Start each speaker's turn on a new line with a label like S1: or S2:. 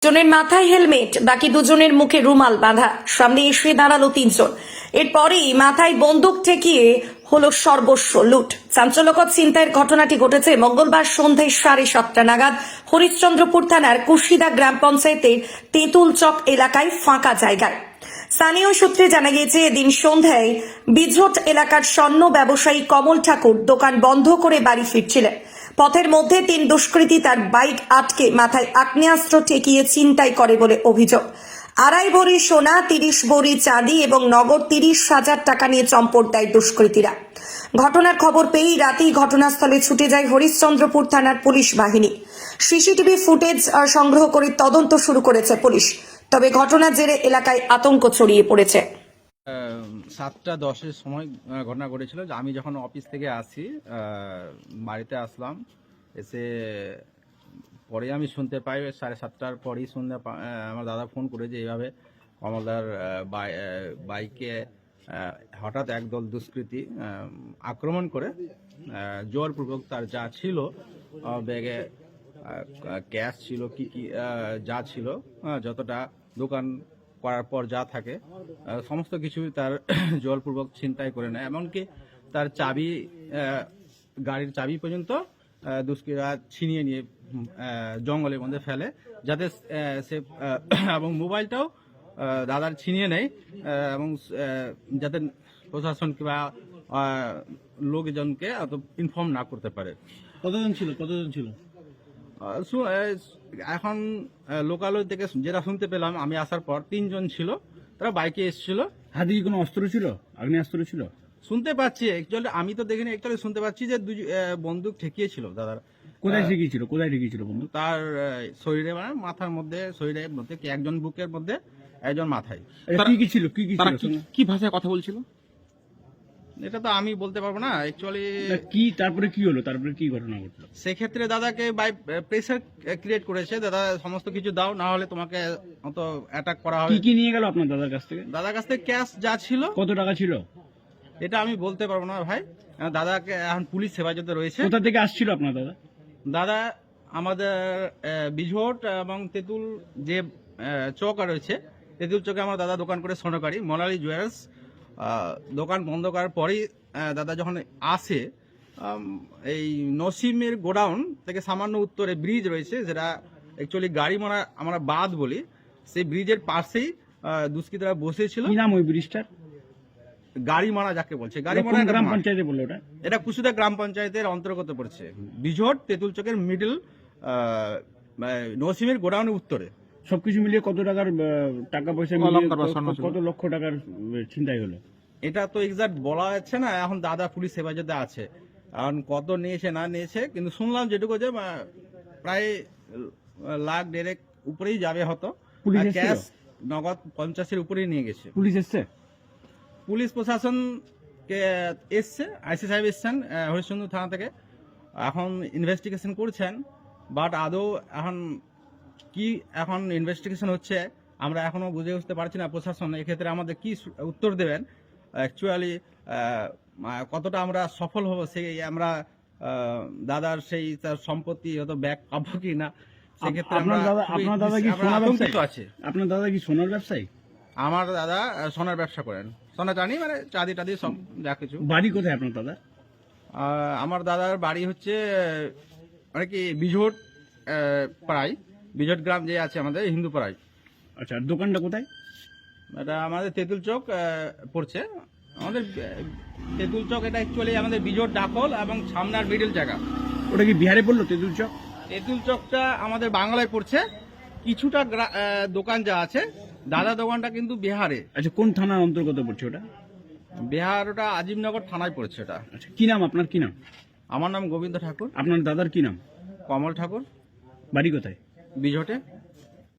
S1: জনের মাথায় হেলমেট, বাকি দুজনের মুখে রুমাল বাঁধা। সামনে এসে দাঁড়ালো তিনজন। এরপরেই মাথায় বন্দুক ঠেকিয়ে হলো সর্বস্ব লুট। চাঞ্চল্যকর ছিনতাইয়ের ঘটনাটি ঘটেছে মঙ্গলবার সন্ধ্যায় 7:30 নাগাদ হরিশ্চন্দ্রপুর থানার কুশিদা গ্রাম পঞ্চায়েতের তেঁতুল চক এলাকায় ফাঁকা জায়গায়। স্থানীয় সূত্রে জানা গিয়েছে, এদিন সন্ধ্যায় বিঝট এলাকার স্বর্ণ ব্যবসায়ী কমল ঠাকুর দোকান বন্ধ করে বাড়ি ফিরছিলেন। পথের মধ্যে তিন দুষ্কৃতী তার বাইক আটকে মাথায় আগ্নেয়াস্ত্র ঠেকিয়ে ছিনতাই করে বলে অভিযোগ। 2.5 ভরি সোনা, 30 ভরি চাঁদি এবং নগদ 30,000 টাকা নিয়ে চম্পট দেয় দুষ্কৃতীরা। ঘটনার খবর পেয়েই রাতেই ঘটনাস্থলে ছুটে যায় হরিশ্চন্দ্রপুর থানার পুলিশ বাহিনী। সিসিটিভি ফুটেজ সংগ্রহ করে তদন্ত শুরু করেছে পুলিশ। তবে ঘটনার জেরে এলাকায় আতঙ্ক ছড়িয়ে পড়েছে।
S2: 7:10 সময় ঘটনা ঘটেছিল। যে আমি যখন অফিস থেকে আসি, বাড়িতে আসলাম, এসে পরে আমি শুনতে পাই 7:30টার পরেই আমার দাদা ফোন করে যে এইভাবে কমলদার বাইকে হঠাৎ একদল দুষ্কৃতী আক্রমণ করে জোরপূর্বক তার যা ছিল, ব্যাগে ক্যাশ ছিল, কি যা ছিল, যতটা দোকান করার পর যা থাকে সমস্ত কিছু তার জোরপূর্বক ছিনতাই করে নেয়। এমনকি তার চাবি, গাড়ির চাবি পর্যন্ত দুষ্কৃতীরা ছিনিয়ে নিয়ে জঙ্গলের মধ্যে ফেলে, যাতে সে এবং মোবাইলটাও দাদার ছিনিয়ে নেয়, এবং যাতে প্রশাসন কিংবা লোকজনকে অত ইনফর্ম না করতে পারে।
S3: কতজন ছিল?
S2: এখন লোকালয় থেকে যেটা শুনতে পেলাম আমি আসার পর 3 জন ছিল, তারা বাইকে এসেছিল।
S3: হাতে কি কোনো অস্ত্র ছিল? আগ্নেয়াস্ত্র ছিল?
S2: শুনতে পাচ্ছি, অ্যাকচুয়ালি আমি তো দেখিনি, অ্যাকচুয়ালি শুনতে পাচ্ছি যে বন্দুক ঠেকিয়েছিল দাদার।
S3: কোথায় ঠেকিয়েছিল বন্ধু?
S2: তার শরীরে, মানে মাথার মধ্যে, শরীরের মধ্যে, একজন বুকের মধ্যে, একজন মাথায়।
S3: কি ছিল?
S4: কি ভাষায় কথা বলছিল
S2: এটা তো আমি বলতে পারবো না অ্যাকচুয়ালি।
S3: তারপরে কি হলো? তারপরে কি ঘটনা ঘটলো?
S2: সেক্ষেত্রে দাদাকে বাই প্রেসার ক্রিয়েট করেছে, দাদা সমস্ত কিছু দাও, না হলে তোমাকে অত অ্যাটাক করা হবে।
S3: কি নিয়ে গেল আপনার দাদার কাছ থেকে?
S2: দাদার কাছ থেকে ক্যাশ যা ছিল।
S3: কত টাকা ছিল?
S2: এটা আমি বলতে পারবো না ভাই, দাদাকে এখন পুলিশ হেফাজতে রয়েছে।
S3: কোথা থেকে আসছিল আপনার দাদা?
S2: দাদা আমাদের বিঝট এবং তেঁতুল যে চক রয়েছে, তেঁতুল চকে আমার দাদা দোকান করে স্বর্ণকারী মোনালি জুয়েলার্স। দোকান বন্ধ করার পরেই দাদা যখন আসে, এই নসিমের গোডাউন থেকে সামান্য উত্তরে ব্রিজ রয়েছে, যেটা অ্যাকচুয়ালি গাড়ি মারা আমরা বাদ বলি, সেই ব্রিজের পাশেই দুষ্কৃতীরা বসেছিল।
S3: কি নাম ওই ব্রিজটার?
S2: গাড়ি মারা যাকে বলছে, গাড়ি মারা
S3: গ্রাম পঞ্চায়েতে বললো ওটা?
S2: এটা কুশিদা গ্রাম পঞ্চায়েতের অন্তর্গত পড়ছে। বিঝট তেঁতুল চকের মিডল, নসিমের গোডাউনের উত্তরে।
S3: সবকিছু মিলিয়ে কত টাকার টাকা পয়সা, কত লক্ষ টাকার ছিনতাই হলো?
S2: এটা তো এক্সাক্ট বলা যাচ্ছে না, এখন দাদা পুলিশ হেফাজতে আছে, এখন কত নিয়েছে না নিয়েছে, কিন্তু শুনলাম যেটুকু যে প্রায় 1,50,000 উপরেই যাবে হতো। ক্যাশ নগদ 50-এর উপরেই নিয়ে গেছে।
S3: পুলিশ এসছে?
S2: পুলিশ প্রশাসন এসছে, আইসি সাহেব এসছেন হরিশ্চন্দ্র থানা থেকে, এখন ইনভেস্টিগেশন করছেন। বাট আদৌ এখন ইনভেস্টিগেশন হচ্ছে, আমরা এখনো বুঝে উঠতে পারছি না প্রশাসন এক্ষেত্রে আমাদের কি উত্তর দেবেন। অ্যাকচুয়ালি কতটা আমরা সফল হব, সেই আমরা দাদার সেই তার সম্পত্তি হয়তো ব্যাক পাবো কি না, সেক্ষেত্রে
S3: আপনার দাদা কি সোনার ব্যবসায়ী
S2: আছে?
S3: আপনার দাদা কি সোনার ব্যবসায়ী?
S2: আমার দাদা সোনার ব্যবসা করেন, সোনা চাঁদি, মানে চাঁদি টাদি সব যা কিছু।
S3: বাড়ি কোথায় আপনার দাদা?
S2: আমার দাদার বাড়ি হচ্ছে মানে কি বিঝট পাড়ায়, বিঝট গ্রাম যে আছে আমাদের হিন্দু পাড়ায়।
S3: আচ্ছা, আর দোকানটা কোথায়?
S2: এটা আমাদের তেঁতুল চক পড়ছে, আমাদের তেঁতুল চক। এটা অ্যাকচুয়ালি আমাদের বিঝট ডাকল এবং সামনার মিডল জায়গা।
S3: ওটা কি বিহারে পড়লো তেঁতুল চক?
S2: তেঁতুল চকটা আমাদের বাংলায় পড়ছে, কিছুটা দোকান যা আছে, দাদা দোকানটা কিন্তু বিহারে।
S3: আচ্ছা, কোন থানার অন্তর্গত পড়ছে ওটা?
S2: বিহার, ওটা আজিমনগর থানায় পড়ছে ওটা।
S3: আচ্ছা, কি নাম আপনার? কি নাম?
S2: আমার নাম গোবিন্দ ঠাকুর।
S3: আপনার দাদার কি নাম?
S2: কমল ঠাকুর।
S3: বাড়ি কোথায়?
S2: বিঝটে।